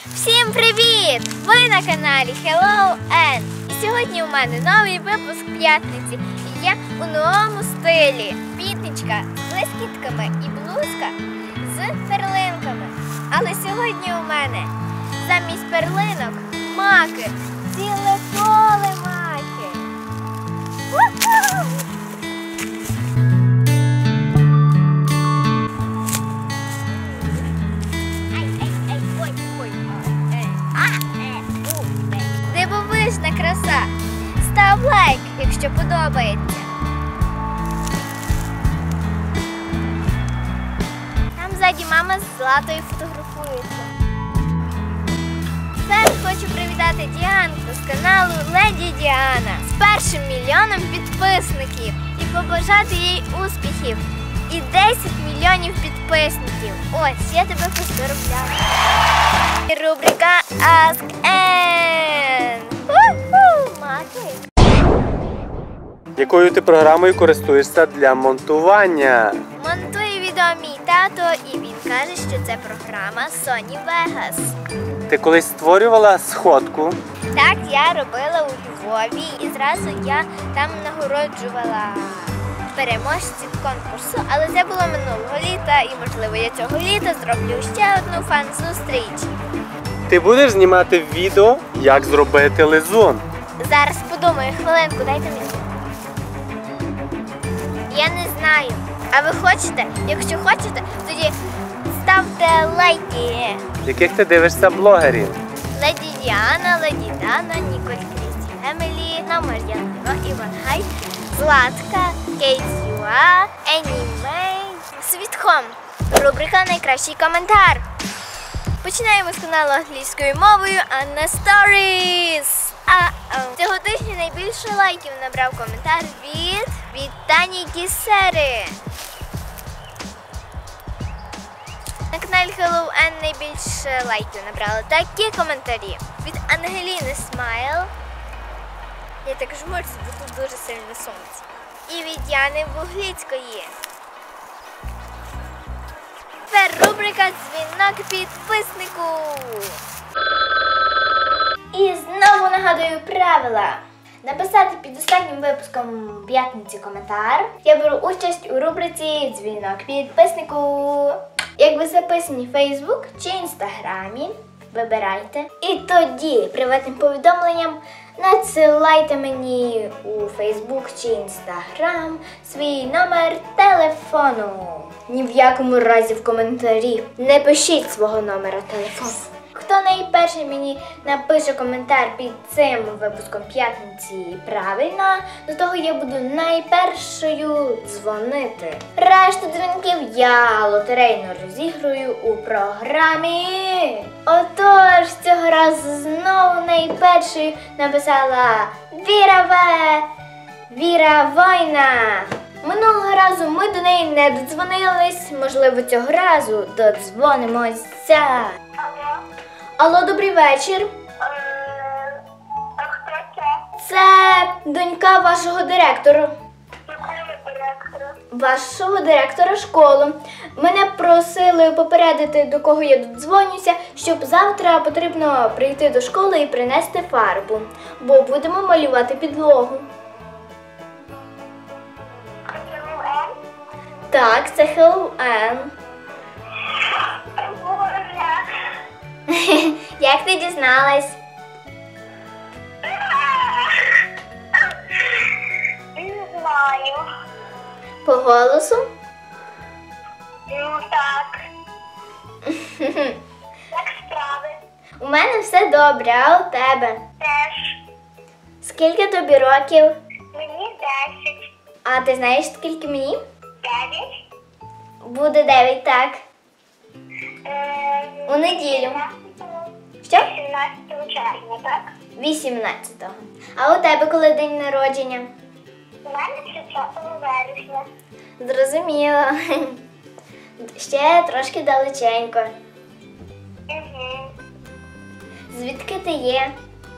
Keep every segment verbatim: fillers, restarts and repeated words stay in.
Всім привіт! Ви на каналі Hello Ann. І сьогодні у мене новий випуск п'ятниці. І я у новому стилі. Пітничка з блискітками і блузка з перлинками. Але сьогодні у мене замість перлинок маки. Ціле поле маки. У-ху! Дивовижна краса! Став лайк, якщо подобається. Там ззаді мама з Златою фотографується. Тепер хочу привітати Діанку з каналу Леді Діана з першим мільйоном підписників і побажати їй успіхів. І десять мільйонів підписників. Ось, я тебе поздоровляю. Рубрика Ask Ann. У-ху, маки. Якою ти програмою користуєшся для монтування? Монтує відео мій тато, і він каже, що це програма Sony Vegas. Ти колись створювала сходку? Так, я робила у Львові, і зразу я там нагороджувала переможців конкурсу, але це було минулого літа, і, можливо, я цього літа зроблю ще одну фан-зустріч. Ти будеш знімати відео, як зробити лизун? Зараз подумаю, хвилинку, дайте мені. Я не знаю. А ви хочете? Якщо хочете, тоді ставте лайки. Яких ти дивишся блогерів? Леді Діана, Леді Дана, Ніколь Крісті Фемелі, Мар'яна, Іван Гай, Златка, Кейт Юа, Енімей, Світхом. Рубрика «Найкращий коментар». Починаємо з каналу англійською мовою Anna Stories. А-а. Цього тижня найбільше лайків набрав коментар від, від Тані Кісери. На каналі Hello Ann найбільше лайків набрали такі коментарі. Від Ангеліни Смайл. Я так жмурюся, бо тут дуже сильне сонце. І від Яни Вугліцької. Тепер рубрика «Дзвінок підписнику». І знову нагадую правила. Написати під останнім випуском п'ятниці коментар. Я беру участь у рубриці «Дзвінок підписнику». Як ви записані в Facebook чи Інстаграмі, вибирайте. І тоді приватним повідомленням надсилайте мені у Facebook чи Instagram свій номер телефону. Ні в якому разі в коментарі не пишіть свого номера телефону. Хто найперший мені напише коментар під цим випуском п'ятниці правильно, до того я буду найпершою дзвонити. Решту дзвінків я лотерейно розіграю у програмі. Отож, цього разу знову найпершою написала Віра В. Віра Война. Минулого разу ми до неї не додзвонились, можливо, цього разу додзвонимося. Алло, добрий вечір. А хто це? Це донька вашого директора. Якого директора? Вашого директора школи. Мене просили попередити, до кого я додзвонюся, щоб завтра потрібно прийти до школи і принести фарбу, бо будемо малювати підлогу. Hello Ann? Так, це Hello Ann. Боже. Як ти дізналась? Не знаю. По голосу? Ну так. Як справи? У мене все добре, а у тебе? Теж. Скільки тобі років? Мені десять. А ти знаєш, скільки мені? Дев'ять. Буде дев'ять, так. Е, У неділю. вісімнадцятого. Що? вісімнадцятого червня, так? вісімнадцятого. А у тебе коли день народження? У мене тридцятого вересня. Зрозуміло. Ще трошки далеченько. Угу. Звідки ти є?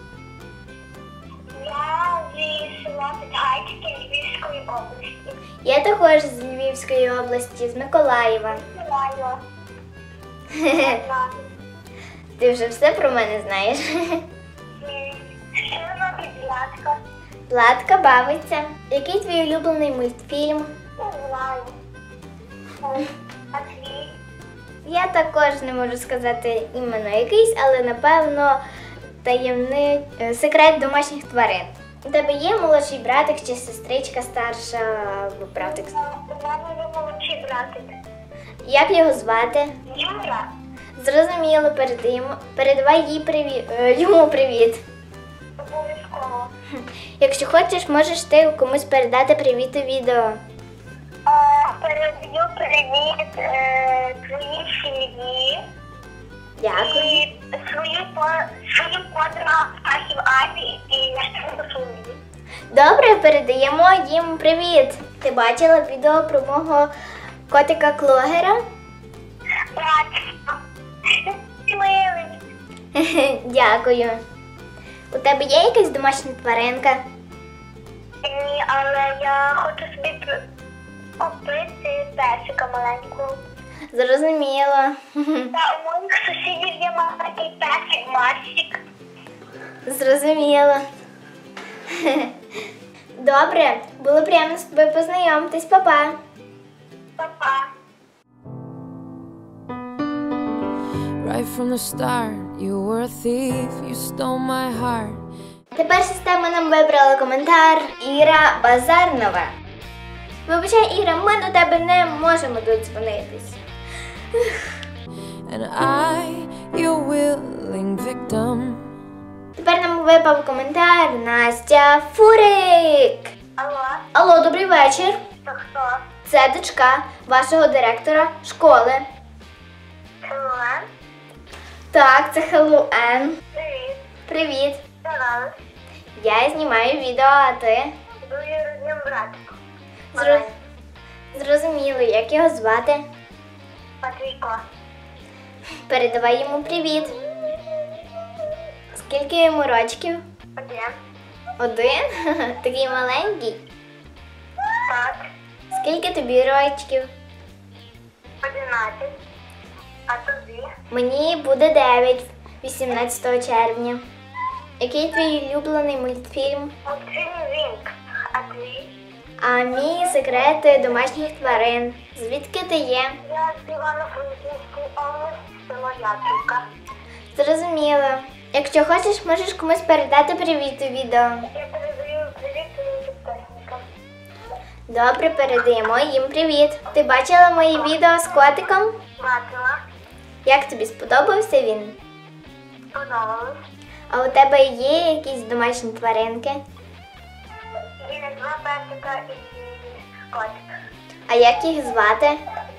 Я зі села Підгайське Львівської області. Я також з Львівської області, з Миколаєва. Миколаєва. Ти вже все про мене знаєш. М, Що робить Златка? Владка бавиться. Який твій улюблений мультфільм? Не знаю. М, А твій? Я також не можу сказати іменно якийсь, але напевно таємний е, секрет домашніх тварин. У тебе є молодший братик чи сестричка старша або братик? У мене є молодший братик. Як його звати? Юра. Зрозуміло, передаємо. Передавай їй привіт, йому привіт. Обов'язково. Якщо хочеш, можеш ти комусь передати привіт у відео. А, Передаю привіт е, твоїй сім'ї Дякую. і свою, по- свою подругу Ахів Ані і нашу Софію. Добре, передаємо їм привіт. Ти бачила відео про мого котика Клогера? Братство. Ти милий. Дякую. У тебе є якась домашня тваринка? Ні, але я хочу собі п- купити песика маленького. Зрозуміло. Та у моїх сусідів є маленький песик Марсик. Зрозуміло. Добре, було приємно з тобою познайомитись, Па-па. Па-па. Right from the start, you were a thief, you stole my heart. Тепер система нам вибрала коментар Іра Базарнова. Вибачай, Іра, ми до тебе не можемо додзвонитись. And I, your willing victim. Тепер нам випав коментар Настя Фурик. Алло, Алло, добрий вечір. це хто? Це дочка вашого директора школи. Хелен? Так, це Хеллоуен. Привіт. Привіт. Здорово. Я знімаю відео, а ти? Дуже родним братиком. Зро... Зрозуміло, як його звати. Матвійко. Передавай йому привіт. Скільки йому рочків? Один. Один? Такий маленький. Так. Скільки тобі рочків? Одинадцять. А тобі? Мені буде дев'ять, вісімнадцятого червня. Який твій улюблений мультфільм? Мультфільм Вінк. А твій? А мій секрети домашніх тварин. Звідки ти є? Я з Івано-Франківської області, село Яблука. Зрозуміло. Якщо хочеш, можеш комусь передати привіт у відео. Я передаю привіт своїм підписникам. Добре, передаємо їм привіт. Ти бачила мої відео з котиком? Бачила. Як тобі сподобався він? Сподобалось. А у тебе є якісь домашні тваринки? Є два песика і котик. А як їх звати?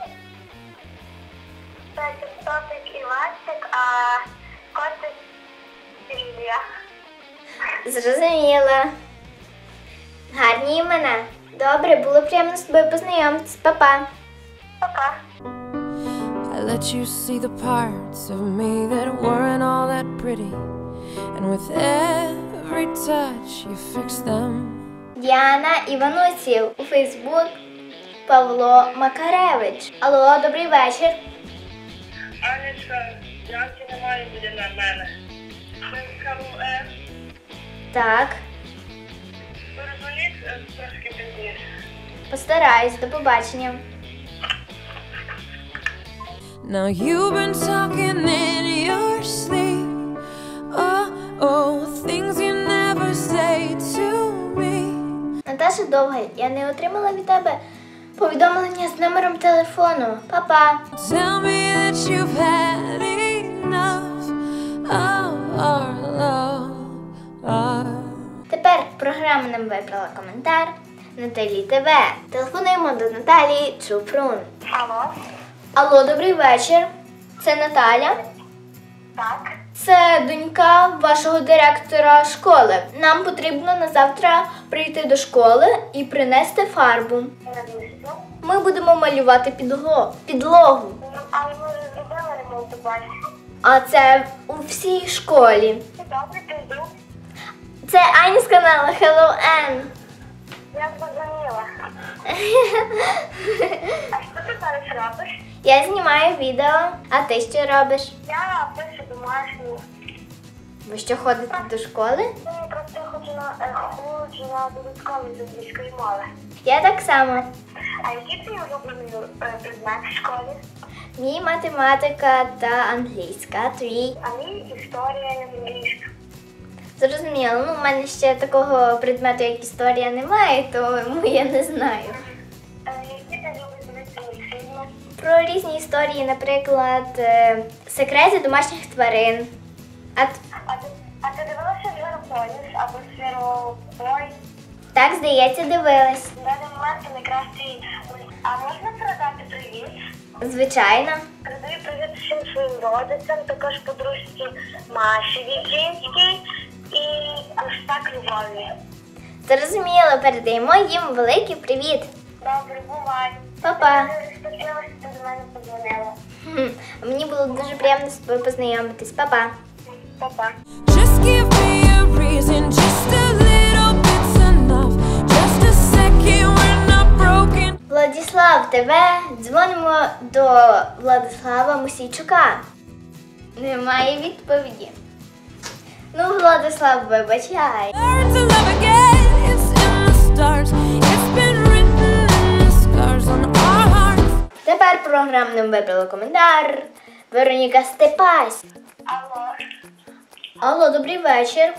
Песик Топик і Васик, а котик Лілія. Зрозуміла. Гарні імена. Добре, було приємно з тобою познайомитись. Па-па. Пока. I let you see the parts of me that weren't all that pretty. And with every touch you fixed them. Діана Іванусів. У Фейсбук Павло Макаревич. Алло, добрий вечір. Анечка, Янки немає буде на мене. Хелен, Так, перезвоніть трошки пізніше. постараюсь. До побачення. Now you've been talking in your sleep. Oh, oh, things you never say to me. Наташа Довга, я не отримала від тебе повідомлення з номером телефону. Па-па. Tell me that you've had enough of our love. Our Тепер програма нам вибрала коментар Наталі ТВ. Телефонуємо до Наталії Чупрун. Алло? Алло, добрий вечір. Це Наталя. Так. Це донька вашого директора школи. Нам потрібно на завтра прийти до школи і принести фарбу. Навіщо? Ми будемо малювати підло- підлогу. Ну, але ми вже зробили ремонт у базі. А це у всій школі. Добре, піду. Це Аня з каналу Hello Ann. Я зрозуміла. А що ти зараз робиш? Я знімаю відео, а ти що робиш? Я пишу до домашні. Ви що, ходите до школи? Я просто хочу на, е, хочу на додаткові з англійської мови. Я так само. А який твій улюблений е, предмет в школі? Мій математика та англійська, твій. А мій історія і англійська. Зрозуміло, ну в мене ще такого предмету, як історія, немає, тому я не знаю. Е, які ти любиш дивитися мультфільми? Про різні історії, наприклад, е, секрети домашніх тварин. А т- А ти, а ти дивилася Зверополіс або Зверобой? так, здається, дивилась. На даний момент це найкращий мульт. А можна передати привіт? Звичайно. Передаю привіт всім своїм родичам, також подружці Маші Віжинській і аж так Любові. Зрозуміло, передаємо їм великий привіт. Добре, бувай. Па-па. Я дуже щаслива, що ти до мене подзвонила. Хм, Мені було дуже приємно з тобою познайомитись. Па-па. Па-па. Just give me a reason, just a little bit's enough. Just a second, we're not broken. Владислав, тебе дзвонимо до Владислава Мусійчука. Немає відповіді. Ну, Владислав, вибачай. Learn to love again, it's in the stars. It's been written in the scars on our hearts. Тепер програмним вибрали коментар. Вероніка Степась. Алло. Алло, добрий вечір.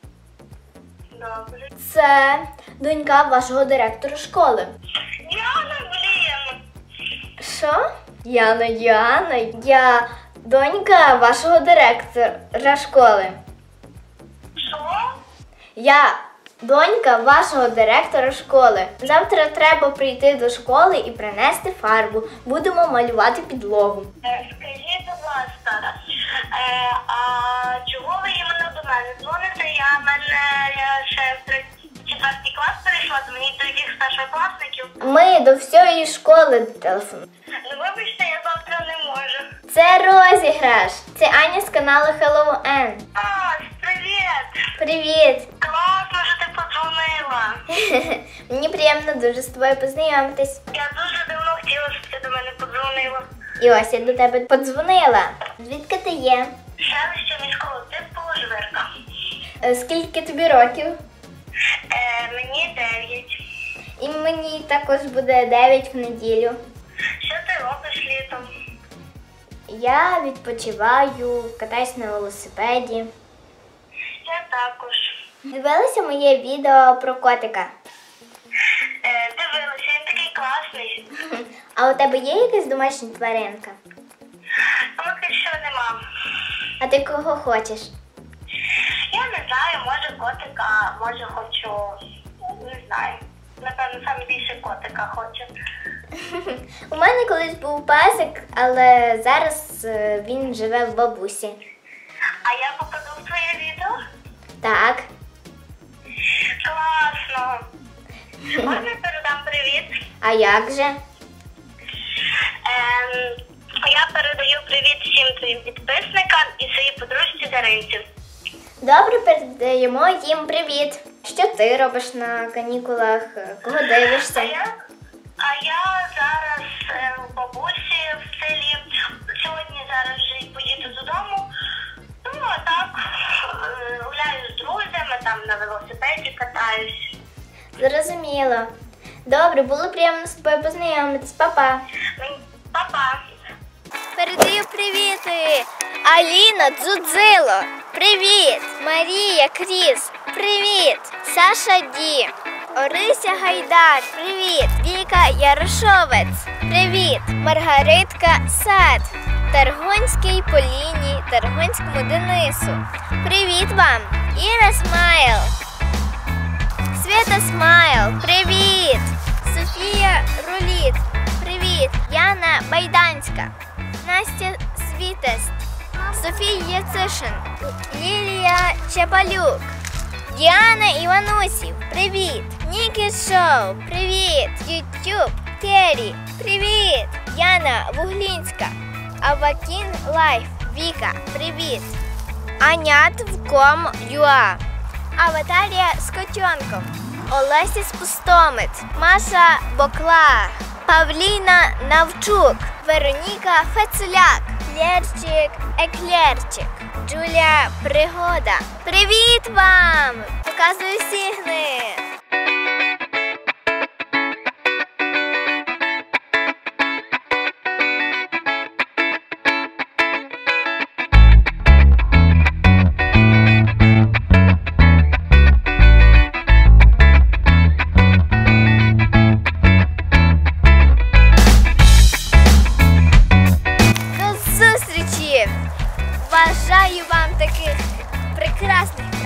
Добре. Це донька вашого директора школи. Яна, блін. Що? Яна, Яна, я донька вашого директора школи. Що? Я донька вашого директора школи. Завтра треба прийти до школи і принести фарбу. Будемо малювати підлогу. Е, Скажіть, будь ласка, е, а чого ви іменно до мене дзвоните? Я в мене я ще в третій- четвертий клас перейшла, то мені до яких старшокласників. Ми до всієї школи телефонуємо. Ну вибачте, я завтра не можу. Це розіграш. Це Аня з каналу Hello N. А, привіт! Привіт! Класно, що ти подзвонила. Мені приємно дуже з тобою познайомитись. Я дуже давно хотіла, щоб ти до мене подзвонила. І ось я до тебе подзвонила. Звідки ти є? Селище міського типу Жвирка. Е, Скільки тобі років? Е, мені дев'ять. І мені також буде дев'ять в неділю. Що ти робиш літом? Я відпочиваю, катаюсь на велосипеді. Я також. Дивилися моє відео про котика. Е, дивилася, він такий класний. А у тебе є якась домашня тваринка? Поки що нема. А ти кого хочеш? Я не знаю, може котика, може хочу, не знаю. Напевно, саме більше котика хочу. У мене колись був песик, але зараз е, він живе в бабусі. А я попаду в твоє відео? Так. Класно. Можна передам привіт? А як же? Ем, я передаю привіт всім твоїм підписникам і своїй подружці Даринці. Добре, передаємо їм привіт. Що ти робиш на канікулах? Кого А дивишся? я, а я зараз е, у бабусі в селі. Сьогодні зараз вже й поїду додому. Ну, а так, е, гуляю з друзями, там на велосипеді катаюсь. Зрозуміло. Добре, було приємно з тобою познайомитись. Па-па. Мені- Па-па. Передаю привіти! Аліна Дзудзило! Привіт! Марія Кріс! Привіт! Саша Ді! Орися Гайдар! Привіт! Віка Ярошовець! Привіт! Маргаритка Сад! Таргонській Поліні, Таргонському Денису! Привіт вам! Іра Смайл! Свята Смайл! Привіт! Софія Руліт! Привіт! Яна Байданська! Настя Світест, Софія Яцишин, Лілія Чапалюк, Діана Іванусів, привіт! Нікі Шоу, привіт! Ютуб, Керрі, привіт! Яна Вуглінська, Авакін Лайф, Віка, привіт! Анятвком Юа, Аватарія з котенком, Олеся Спустомит, Маша Бокла, Павліна Навчук, Вероніка Фецуляк, Лєрчик, еклерчик. Джуля, пригода. Привіт вам! Показую сігни. Бажаю вам таких прекрасних